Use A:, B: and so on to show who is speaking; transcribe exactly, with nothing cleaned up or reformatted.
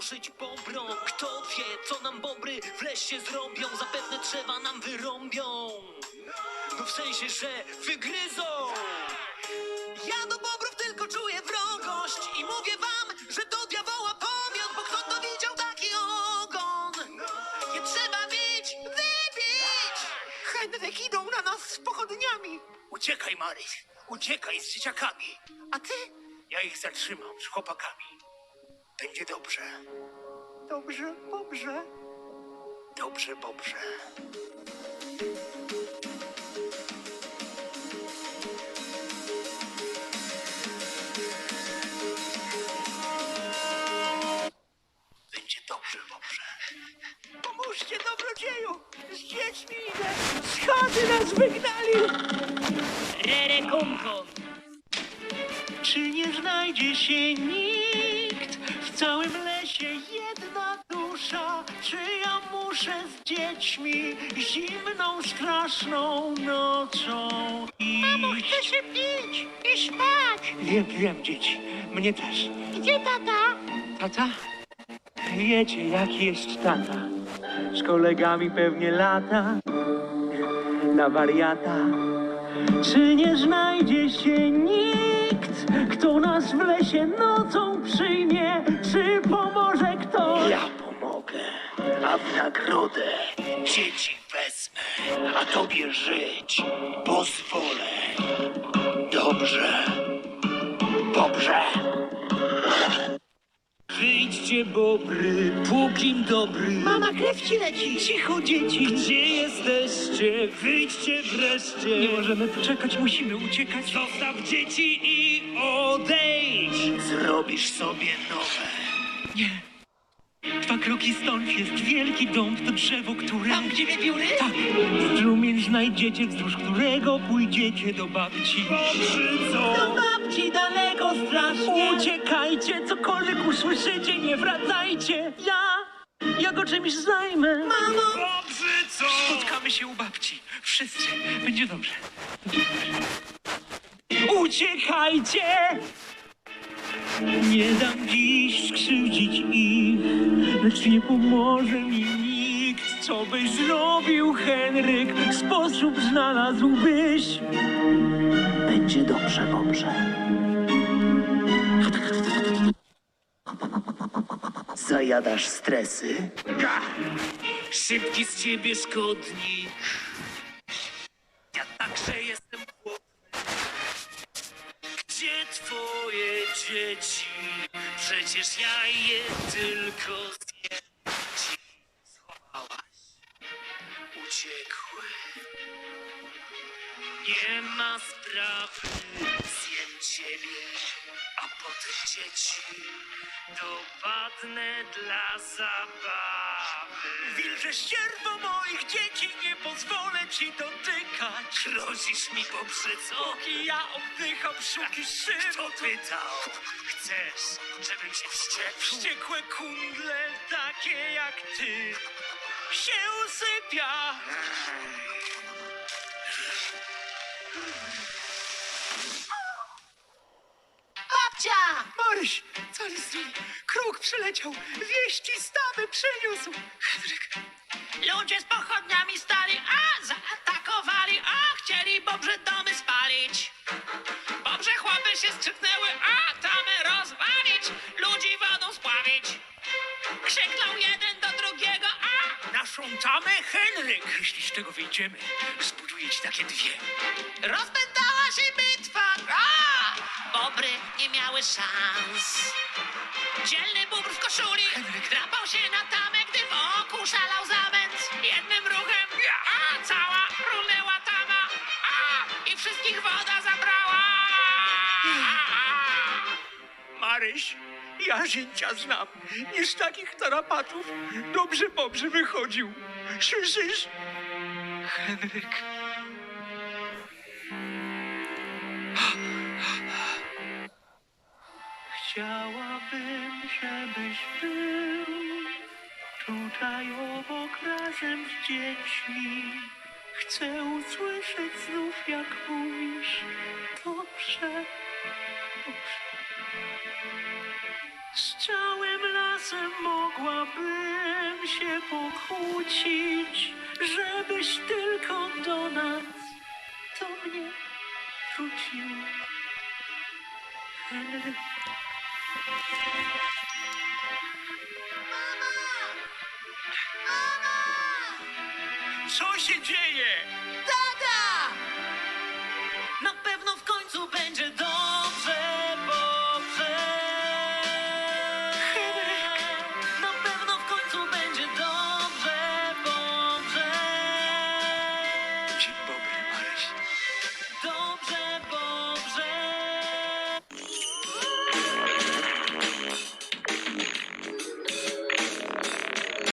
A: poszyć bobrom. Kto wie, co nam bobry w lesie zrobią? Zapewne drzewa nam wyrąbią. No w sensie, że wygryzą. Ja do bobrów tylko czuję wrogość i mówię wam, że do diabeła pomiot, bo kto to widział taki ogon? Nie trzeba bić, wybić!
B: Henryk idą na nas z pochodniami.
C: Uciekaj, Maryś, uciekaj z dzieciakami.
B: A ty?
C: Ja ich zatrzymam z chłopakami. Będzie dobrze,
B: Dobrze, dobrze.
C: dobrze, dobrze. Będzie dobrze, dobrze.
B: Pomóżcie, dobrodzieju. Z dziećmi idę. Schody nas wygnali.
A: Rere kumkum.
B: Czy nie znajdzie się nikt w całym lesie jedna dusza? Czy ja muszę z dziećmi zimną, straszną nocą iść? Mamo, chcę się pić i spać. Wiem, wiem, dzieci. Mnie też. Gdzie tata? Tata? Wiecie, jaki jest tata. Z kolegami pewnie lata na wariata. Czy nie znajdzie się nikt, kto nas w lesie nocą przyjmie? Czy pomoże ktoś?
C: Ja pomogę, a w nagrodę dzieci wezmę, a tobie żyć pozwolę. Dobrze, dobrze.
A: Wyjdźcie, bobry, pókim dobry.
B: Mama, krew ci leci. Cicho, dzieci.
A: Gdzie jesteście? Wyjdźcie wreszcie.
B: Nie możemy poczekać, musimy uciekać.
A: Zostaw dzieci i odejdź.
C: Zrobisz sobie nowe.
B: Nie. Dwa kroki stąd jest wielki dąb, to drzewo, które... Tam, gdzie wiewióry? Tak. Strumień znajdziecie, wzdłuż którego pójdziecie do babci.
A: Pobrzydzą.
B: Do babci daleko strasznie. Uciekajcie, cokolwiek usłyszycie, nie wracajcie. Ja, ja go czymś zajmę. Mamo!
A: Pobrzydzą.
B: Spotkamy się u babci. Wszyscy. Będzie dobrze. Będzie dobrze. Uciekajcie! Nie dam dziś skrzywdzić ich, lecz nie pomoże mi nikt. Co byś zrobił, Henryk? Sposób znalazłbyś. Będzie dobrze, dobrze.
C: Zajadasz stresy?
A: Szybki z ciebie szkodnik. Ja także jestem chłodny. Gdzie twoje dzieci? Przecież ja je tylko zjem. Ci schowałaś. Uciekły. Nie ma sprawy. Zjem ciebie, a potem dzieci. Dopadnę dla zabawy.
B: Wilże ścierwo moich dzieci, nie pozwolę ci dotykać.
A: Grozisz mi pobrzydzą?
B: Póki ja oddycham, szuki szyb.
A: Kto pytał? Chcesz, żebym się wściekł?
B: Wściekłe kundle, takie jak ty, się usypia. Babcia! Maryś, Calisli, kruk przyleciał, wieści stawy przyniósł. Henryk.
D: Ludzie z pochodniami stali, a zaatakowali, a chcieli bobrze domy spalić. Bobrze chłopy się strzyknęły, a tamy rozwalić, ludzi wodą spławić. Krzyknął jeden do drugiego, a
B: Naszą tamę, Henryk. Jeśli z tego wyjdziemy, zbuduję ci takie dwie.
D: rozpętała się bitwa, a bobry nie miały szans. Dzielny bóbr w koszuli drapał się na tamę, gdy wokół szalał zamęt. Jednym ruchem, a cała runęła tama, a i wszystkich woda zabrała.
B: Maryś, ja zięcia znam. Nie z takich tarapatów dobrze, dobrze wychodził. Słyszysz? Henryk. Chciałabym, żebyś był tutaj obok razem z dziećmi. Chcę usłyszeć znów, jak mówisz. Dobrze, dobrze. Z całym lasem się pokłócić, żebyś tylko do nas do mnie wrócił. Henryk.
C: Co się dzieje?
A: Tata! Na pewno w końcu będzie dobrze.